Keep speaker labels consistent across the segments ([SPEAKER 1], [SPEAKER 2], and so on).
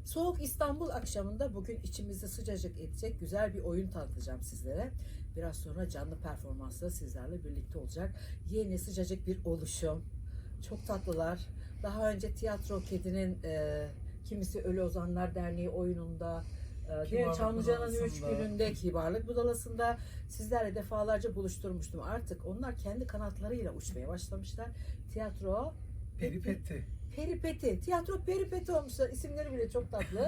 [SPEAKER 1] Soğuk İstanbul akşamında bugün içimizi sıcacık edecek güzel bir oyun tanıtacağım sizlere. Biraz sonra canlı performansla sizlerle birlikte olacak. Yeni sıcacık bir oluşum. Çok tatlılar. Daha önce Tiyatro Kedi'nin kimisi Ölü Ozanlar Derneği oyununda, diğer Çamlıca'nın 3 gününde Kibarlık Budalası'nda sizlerle defalarca buluşturmuştum. Artık onlar kendi kanatlarıyla uçmaya başlamışlar. Tiyatro
[SPEAKER 2] Peripeti.
[SPEAKER 1] Peripeti. Tiyatro peripeti olmuşlar. İsimleri bile çok tatlı.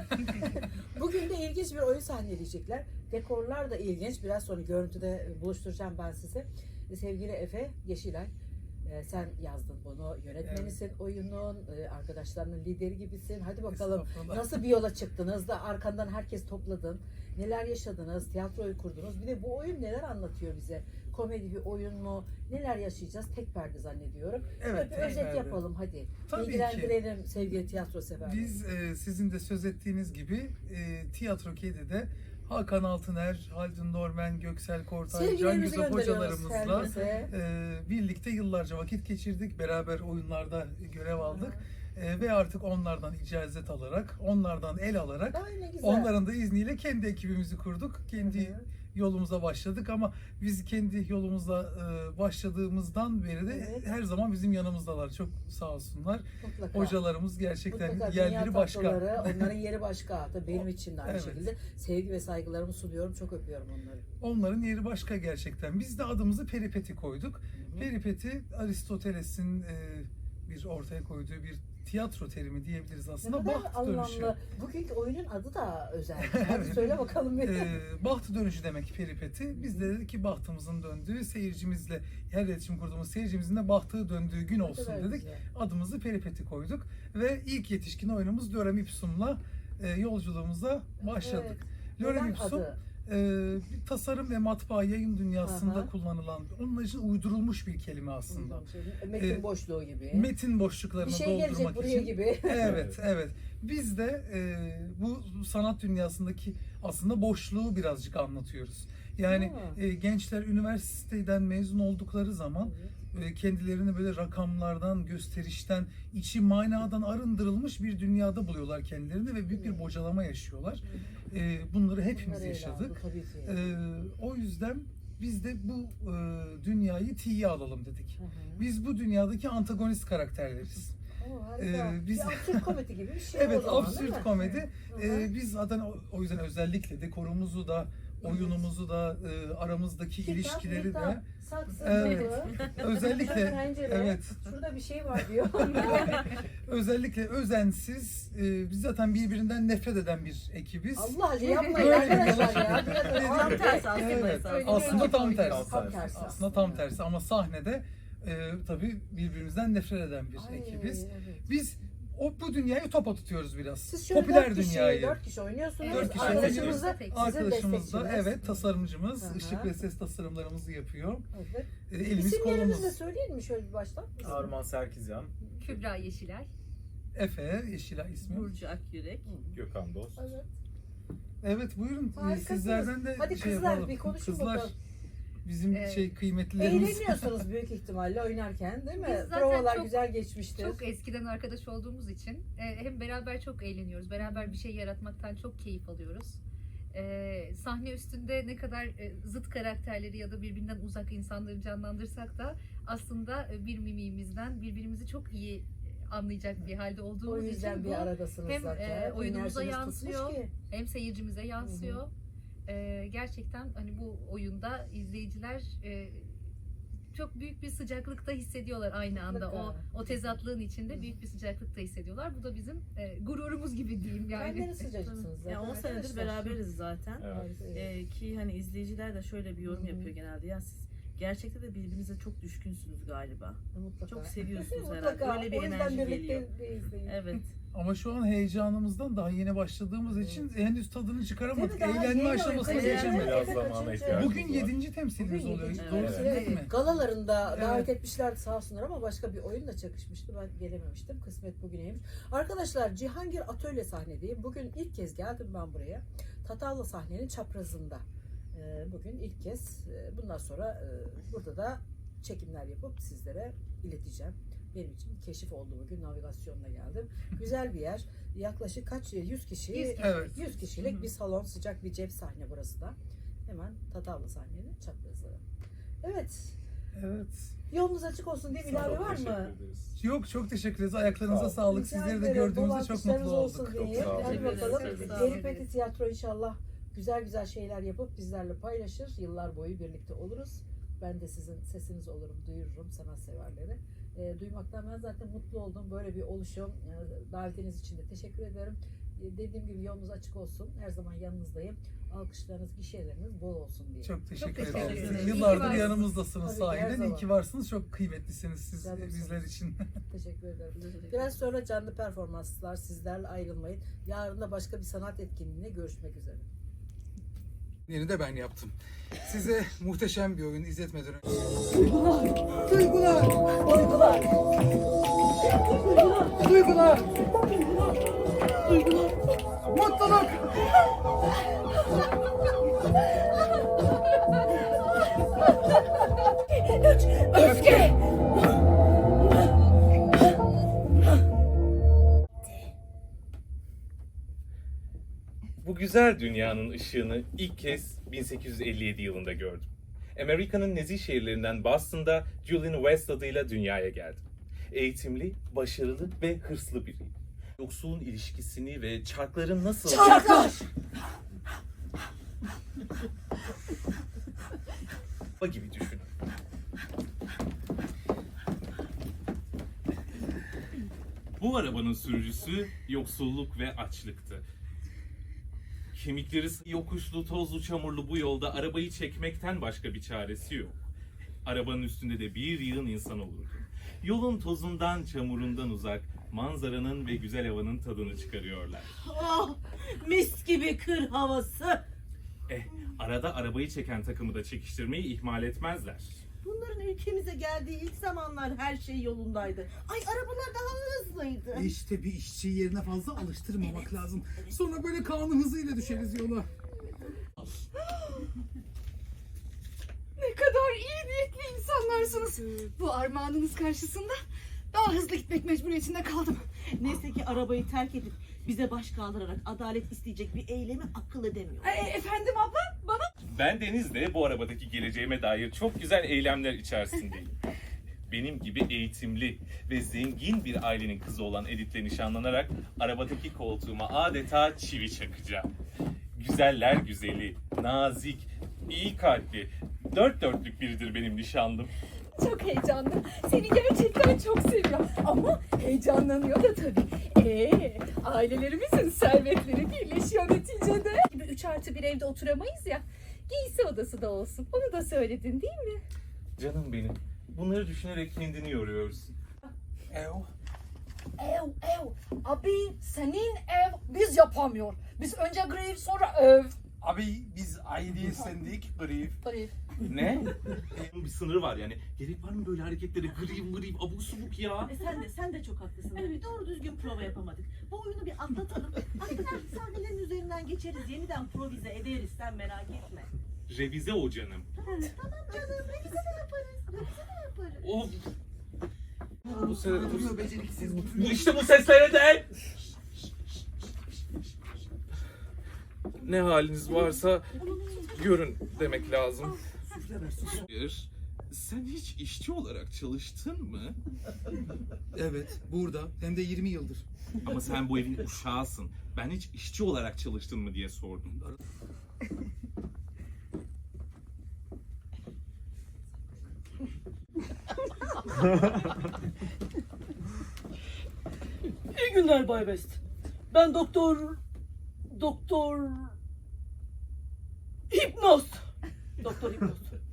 [SPEAKER 1] Bugün de ilginç bir oyun sahneleyecekler. Dekorlar da ilginç. Biraz sonra görüntüde buluşturacağım ben size. Sevgili Efe Yeşilay, sen yazdın bunu. Yönetmenisin oyunun. Arkadaşlarının lideri gibisin. Hadi bakalım nasıl bir yola çıktınız da arkandan herkes topladın. Neler yaşadınız? Tiyatroyu kurdunuz. Bir de bu oyun neler anlatıyor bize? Komedi bir oyun mu? Neler yaşayacağız? Tek perde zannediyorum.
[SPEAKER 2] Evet,
[SPEAKER 1] Bir özet yapalım hadi.
[SPEAKER 2] Tabii
[SPEAKER 1] İlgilendirelim sevgili tiyatro severleri.
[SPEAKER 2] Biz sizin de söz ettiğiniz gibi Tiyatro Kedi'de Hakan Altıner, Haldun Norman, Göksel Kortay, Can
[SPEAKER 1] Sevgilerimizi
[SPEAKER 2] Güzel
[SPEAKER 1] gönderiyoruz
[SPEAKER 2] hocalarımızla
[SPEAKER 1] herkese.
[SPEAKER 2] birlikte yıllarca vakit geçirdik. Beraber oyunlarda görev aldık. Ve artık onlardan icazet alarak, onlardan el alarak,
[SPEAKER 1] Ay ne güzel.
[SPEAKER 2] onların da izniyle kendi ekibimizi kurduk. Kendi yolumuza başladık ama biz kendi yolumuza başladığımızdan beri de her zaman bizim yanımızdalar. Çok sağ olsunlar.
[SPEAKER 1] Mutlaka.
[SPEAKER 2] Hocalarımız gerçekten
[SPEAKER 1] Mutlaka
[SPEAKER 2] yerleri
[SPEAKER 1] dünya
[SPEAKER 2] başka.
[SPEAKER 1] tatlıları, onların yeri başka. Tabii benim için de aynı
[SPEAKER 2] Evet.
[SPEAKER 1] şekilde. Sevgi ve saygılarımı sunuyorum. Çok öpüyorum onları.
[SPEAKER 2] Onların yeri başka gerçekten. Biz de adımızı Peripeti koyduk.
[SPEAKER 1] Hı.
[SPEAKER 2] Peripeti Aristoteles'in bir ortaya koyduğu bir tiyatro terimi diyebiliriz
[SPEAKER 1] Ne
[SPEAKER 2] aslında.
[SPEAKER 1] kadar
[SPEAKER 2] Baht dönüşü.
[SPEAKER 1] anlamlı. Bugünkü oyunun adı da özel. Hadi söyle bakalım bir.
[SPEAKER 2] Baht dönüşü demek peripeti. Biz de dedik ki bahtımızın döndüğü, seyircimizle, her iletişim kurduğumuz seyircimizin de bahtı döndüğü gün olsun
[SPEAKER 1] kadar
[SPEAKER 2] dedik.
[SPEAKER 1] güzel.
[SPEAKER 2] Adımızı peripeti koyduk ve ilk yetişkin oyunumuz Lorem Ipsum'la yolculuğumuza başladık. Lorem
[SPEAKER 1] Neden
[SPEAKER 2] Ipsum
[SPEAKER 1] adı?
[SPEAKER 2] bir tasarım ve matbaa yayın dünyasında
[SPEAKER 1] Aha.
[SPEAKER 2] kullanılan, onun için uydurulmuş bir kelime aslında.
[SPEAKER 1] Metin boşluğu gibi.
[SPEAKER 2] Metin boşluklarını
[SPEAKER 1] Bir şey
[SPEAKER 2] doldurmak
[SPEAKER 1] gelecek buraya
[SPEAKER 2] için.
[SPEAKER 1] gibi.
[SPEAKER 2] Evet, evet. Biz de bu sanat dünyasındaki aslında boşluğu birazcık anlatıyoruz. Yani gençler üniversiteden mezun oldukları zaman kendilerini böyle rakamlardan, gösterişten, içi manadan arındırılmış bir dünyada buluyorlar kendilerini ve büyük bir bocalama yaşıyorlar. Bunları hepimiz
[SPEAKER 1] Bunları ele
[SPEAKER 2] yaşadık.
[SPEAKER 1] aldı, tabii ki.
[SPEAKER 2] O yüzden biz de bu dünyayı tiye alalım dedik.
[SPEAKER 1] Hı hı.
[SPEAKER 2] Biz bu dünyadaki antagonist karakterleriz.
[SPEAKER 1] Harika.
[SPEAKER 2] Biz-
[SPEAKER 1] Bir absürt komedi gibi bir şey
[SPEAKER 2] Evet,
[SPEAKER 1] o zaman, değil
[SPEAKER 2] absürt
[SPEAKER 1] mi?
[SPEAKER 2] komedi.
[SPEAKER 1] Hı hı.
[SPEAKER 2] Biz zaten o yüzden özellikle dekorumuzu da, oyunumuzu da, aramızdaki
[SPEAKER 1] Kitap,
[SPEAKER 2] ilişkileri
[SPEAKER 1] kitap,
[SPEAKER 2] de
[SPEAKER 1] saksı,
[SPEAKER 2] Evet.
[SPEAKER 1] kapı,
[SPEAKER 2] özellikle
[SPEAKER 1] pencere,
[SPEAKER 2] evet,
[SPEAKER 1] şurada bir şey var diyor.
[SPEAKER 2] özellikle özensiz, biz zaten birbirinden nefret eden bir ekibiz.
[SPEAKER 1] Allah Allah yapmayın
[SPEAKER 2] Böyle bir
[SPEAKER 1] arkadaşlar
[SPEAKER 2] yola
[SPEAKER 1] ya.
[SPEAKER 2] çıktık.
[SPEAKER 1] Biraz
[SPEAKER 2] Evet.
[SPEAKER 3] Tam tersi aslında.
[SPEAKER 2] Evet,
[SPEAKER 3] Öyle
[SPEAKER 2] aslında
[SPEAKER 3] bir
[SPEAKER 2] tam
[SPEAKER 3] ekip
[SPEAKER 2] tersi.
[SPEAKER 3] oynuyoruz.
[SPEAKER 1] Tam tersi
[SPEAKER 2] Aslında tam tersi ama sahnede tabii birbirimizden nefret eden bir
[SPEAKER 1] Ay,
[SPEAKER 2] ekibiz.
[SPEAKER 1] evet.
[SPEAKER 2] Biz bu dünyayı topa tutuyoruz biraz.
[SPEAKER 1] Siz şöyle
[SPEAKER 2] Popüler
[SPEAKER 1] 4 kişi,
[SPEAKER 2] dünyayı.
[SPEAKER 1] 4 kişi oynuyorsunuz.
[SPEAKER 2] Dört kişi
[SPEAKER 1] Arkadaşımız da
[SPEAKER 3] oynuyoruz.
[SPEAKER 1] sizin
[SPEAKER 2] Arkadaşımız da
[SPEAKER 1] destekçiniz.
[SPEAKER 2] evet tasarımcımız,
[SPEAKER 1] Aha.
[SPEAKER 2] ışık ve ses tasarımlarımızı yapıyor.
[SPEAKER 1] Evet.
[SPEAKER 2] Elimiz
[SPEAKER 1] İsimlerinizi
[SPEAKER 2] kolumuz.
[SPEAKER 1] de söyleyelim mi şöyle bir baştan?
[SPEAKER 4] Arman Serkizyan,
[SPEAKER 3] Kübra Yeşilay,
[SPEAKER 2] Efe, Yeşilay ismi.
[SPEAKER 3] Burcu Akyürek.
[SPEAKER 4] Gökhan Dost.
[SPEAKER 1] Evet.
[SPEAKER 2] Evet buyurun
[SPEAKER 1] Harikasınız.
[SPEAKER 2] sizlerden de
[SPEAKER 1] Hadi
[SPEAKER 2] şey
[SPEAKER 1] kızlar,
[SPEAKER 2] yapalım.
[SPEAKER 1] bir konuşun
[SPEAKER 2] Kızlar
[SPEAKER 1] bakalım.
[SPEAKER 2] bizim
[SPEAKER 3] Evet.
[SPEAKER 2] kıymetlilerimiz.
[SPEAKER 1] Eğleniyorsunuz büyük ihtimalle oynarken değil mi?
[SPEAKER 3] Biz zaten
[SPEAKER 1] Provalar
[SPEAKER 3] çok-
[SPEAKER 1] güzel geçmiştir.
[SPEAKER 3] Çok eskiden arkadaş olduğumuz için hem beraber çok eğleniyoruz. Beraber bir şey yaratmaktan çok keyif alıyoruz. Sahne üstünde ne kadar zıt karakterleri ya da birbirinden uzak insanları canlandırsak da aslında bir mimiğimizden birbirimizi çok iyi anlayacak bir halde
[SPEAKER 1] O
[SPEAKER 3] olduğumuz
[SPEAKER 1] yüzden
[SPEAKER 3] için
[SPEAKER 1] bir
[SPEAKER 3] bu
[SPEAKER 1] aradasınız
[SPEAKER 3] hem,
[SPEAKER 1] zaten.
[SPEAKER 3] oyunumuza
[SPEAKER 1] Enerjiniz tutmuş
[SPEAKER 3] yansıyor.
[SPEAKER 1] ki.
[SPEAKER 3] hem seyircimize yansıyor. Gerçekten hani bu oyunda izleyiciler çok büyük bir sıcaklıkta hissediyorlar aynı anda.
[SPEAKER 1] Mutlaka.
[SPEAKER 3] O tezatlığın içinde büyük bir sıcaklıkta hissediyorlar. Bu da bizim gururumuz gibi diyeyim
[SPEAKER 1] Kendiniz
[SPEAKER 3] yani.
[SPEAKER 1] sıcacıksınız zaten.
[SPEAKER 5] Ya 10 senedir
[SPEAKER 1] arkadaşlar.
[SPEAKER 5] beraberiz zaten.
[SPEAKER 4] Evet.
[SPEAKER 5] Ki hani izleyiciler de şöyle bir yorum
[SPEAKER 1] Hı hı.
[SPEAKER 5] yapıyor genelde. Ya siz gerçekten de birbirinize çok düşkünsünüz galiba.
[SPEAKER 1] Mutlaka.
[SPEAKER 5] Çok seviyorsunuz
[SPEAKER 1] Mutlaka.
[SPEAKER 5] herhalde. Öyle bir
[SPEAKER 1] O yüzden
[SPEAKER 5] enerji
[SPEAKER 1] birlikte
[SPEAKER 5] geliyor.
[SPEAKER 1] izleyin.
[SPEAKER 5] Evet.
[SPEAKER 2] Ama şu an heyecanımızdan daha yeni başladığımız için henüz tadını çıkaramadık.
[SPEAKER 1] Değil mi? Daha
[SPEAKER 2] Eğlenme
[SPEAKER 1] yeni
[SPEAKER 2] aşamasına
[SPEAKER 1] oyun.
[SPEAKER 2] geçemedik.
[SPEAKER 4] Biraz
[SPEAKER 1] Efe
[SPEAKER 4] zamana
[SPEAKER 1] kaçıncı?
[SPEAKER 4] ihtiyacımız
[SPEAKER 2] Bugün
[SPEAKER 4] var.
[SPEAKER 2] 7. temsilimiz
[SPEAKER 1] Bugün
[SPEAKER 2] oluyor.
[SPEAKER 1] yedinci.
[SPEAKER 2] Doğru
[SPEAKER 5] Evet.
[SPEAKER 2] söyledik mi?
[SPEAKER 1] Galalarında
[SPEAKER 2] Evet.
[SPEAKER 1] davet etmişlerdi sağ olsunlar ama başka bir oyunla çakışmıştı. Ben gelememiştim. Kısmet bugüneymiş. Arkadaşlar Cihangir Atölye sahnedeyim. Bugün ilk kez geldim ben buraya. Tatavla sahnenin çaprazında. Bugün ilk kez. Bundan sonra burada da çekimler yapıp sizlere ileteceğim. benim için bir keşif oldu bugün. Navigasyonla geldim. Güzel bir yer. Yaklaşık kaç 100 kişi.
[SPEAKER 3] 100 kişi.
[SPEAKER 2] Evet.
[SPEAKER 1] 100 kişilik bir salon, sıcak bir cep sahne burası da. Hemen Tatavla sahnenin çaprazı. Evet.
[SPEAKER 2] Evet.
[SPEAKER 1] Yolunuz açık olsun diye bir ilave var
[SPEAKER 4] Teşekkür
[SPEAKER 1] mı?
[SPEAKER 4] ederiz.
[SPEAKER 2] Yok, çok teşekkür ederiz. Ayaklarınıza
[SPEAKER 4] Sağ ol.
[SPEAKER 2] sağlık.
[SPEAKER 1] Rica
[SPEAKER 2] Sizleri de
[SPEAKER 1] ederim.
[SPEAKER 2] gördüğümüzde çok
[SPEAKER 1] Dolanışlarınız
[SPEAKER 2] mutlu
[SPEAKER 1] olsun
[SPEAKER 2] olduk.
[SPEAKER 1] diye.
[SPEAKER 4] Çok sağ olun.
[SPEAKER 1] Hadi bakalım.
[SPEAKER 3] Teşekkür ederiz.
[SPEAKER 1] Peri Peti Tiyatro inşallah güzel güzel şeyler yapıp bizlerle paylaşır. Yıllar boyu birlikte oluruz. Ben de sizin sesiniz olurum, duyururum sanatseverleri. Duymaktan ben zaten mutlu oldum. Böyle bir oluşum. Davetiniz için de teşekkür ederim. Dediğim gibi yolunuz açık olsun. Her zaman yanınızdayım. Alkışlarınız, gişeleriniz bol olsun diye.
[SPEAKER 2] Çok teşekkür
[SPEAKER 3] teşekkür
[SPEAKER 2] ederiz.
[SPEAKER 3] ederiz. İyi ki
[SPEAKER 2] Yıllardır
[SPEAKER 3] varsınız.
[SPEAKER 2] yanımızdasınız
[SPEAKER 1] Tabii ki, her
[SPEAKER 2] sahiden. İyi
[SPEAKER 1] zaman.
[SPEAKER 2] ki varsınız. Çok kıymetlisiniz siz
[SPEAKER 1] Canımsınız.
[SPEAKER 2] bizler için.
[SPEAKER 1] Teşekkür ederim. Biraz sonra canlı performanslar, sizlerle ayrılmayın. Yarın da başka bir sanat etkinliğine görüşmek üzere.
[SPEAKER 2] Yeni de ben yaptım. Size muhteşem bir oyun izletmeden önce... Duygular! Mutluluk!
[SPEAKER 1] Öfke!
[SPEAKER 6] Bu güzel dünyanın ışığını ilk kez 1857 yılında gördüm. Amerika'nın nezih şehirlerinden Boston'da Julian West adıyla dünyaya geldim. Eğitimli, başarılı ve hırslı biriyim. Yoksulun ilişkisini ve çarkların nasıl...
[SPEAKER 1] Çarklar!
[SPEAKER 6] gibi düşünün. Bu arabanın sürücüsü yoksulluk ve açlıktı. Kemikleri yokuşlu, tozlu, çamurlu bu yolda arabayı çekmekten başka bir çaresi yok. Arabanın üstünde de bir yığın insan olurdu. Yolun tozundan, çamurundan uzak, manzaranın ve güzel havanın tadını çıkarıyorlar.
[SPEAKER 5] Oh, mis gibi kır havası.
[SPEAKER 6] Arada arabayı çeken takımı da çekiştirmeyi ihmal etmezler.
[SPEAKER 5] Bunların ülkemize geldiği ilk zamanlar her şey yolundaydı. Ay arabalar daha hızlıydı.
[SPEAKER 7] İşte bir işçiyi yerine fazla alıştırmamak lazım. Sonra böyle kanun hızıyla düşeriz yola.
[SPEAKER 8] Ne kadar iyi niyetli insanlarsınız. Bu armağanınız karşısında daha hızlı gitmek mecburiyetinde kaldım.
[SPEAKER 5] Neyse ki arabayı terk edip bize baş kaldırarak adalet isteyecek bir eylemi akıl edemiyor.
[SPEAKER 8] Efendim abla, bana
[SPEAKER 6] Ben Deniz'de bu arabadaki geleceğime dair çok güzel eylemler içerisindeyim. Benim gibi eğitimli ve zengin bir ailenin kızı olan Edith'le nişanlanarak arabadaki koltuğuma adeta çivi çakacağım. Güzeller güzeli, nazik, iyi kalpli, dört dörtlük biridir benim nişanlım.
[SPEAKER 8] çok heyecanlı. Seni gerçekten çok seviyorum. Ama heyecanlanıyor da tabii. Ailelerimizin servetleri birleşiyor neticede. Gibi 3+1 evde oturamayız ya. Giysi odası da olsun. Onu da söyledin değil mi?
[SPEAKER 6] Canım benim, bunları düşünerek kendini yoruyorsun.
[SPEAKER 2] Ev.
[SPEAKER 8] Ev. Abi senin ev biz yapamıyor. Biz önce grev sonra ev.
[SPEAKER 7] Abi biz aileye sendik grif.
[SPEAKER 8] Grev.
[SPEAKER 6] Ne? Bir sınırı var yani. Gerek var mı böyle hareketlere? Gırıyım, abuk subuk ya.
[SPEAKER 5] Sen de çok haklısın. Evet. Doğru düzgün prova yapamadık. Bu oyunu bir atlatalım. Artık sahnelerin üzerinden geçeriz. Yeniden improvize ederiz. Sen merak etme.
[SPEAKER 6] Revize o canım.
[SPEAKER 5] Tamam canım. Revize de yaparız. Revize de yaparız.
[SPEAKER 6] Of.
[SPEAKER 7] Duruyor beceriksiz.
[SPEAKER 6] İşte bu seslere de. Ne haliniz varsa görün demek lazım. Hayır. Sen hiç işçi olarak çalıştın mı?
[SPEAKER 7] Evet, burada. Hem de 20 yıldır.
[SPEAKER 6] Ama sen bu evin uşağısın. Ben hiç işçi olarak çalıştın mı diye sordum.
[SPEAKER 5] İyi günler Bay Best. Ben Doktor Hipnoz. Doktor Hipnoz.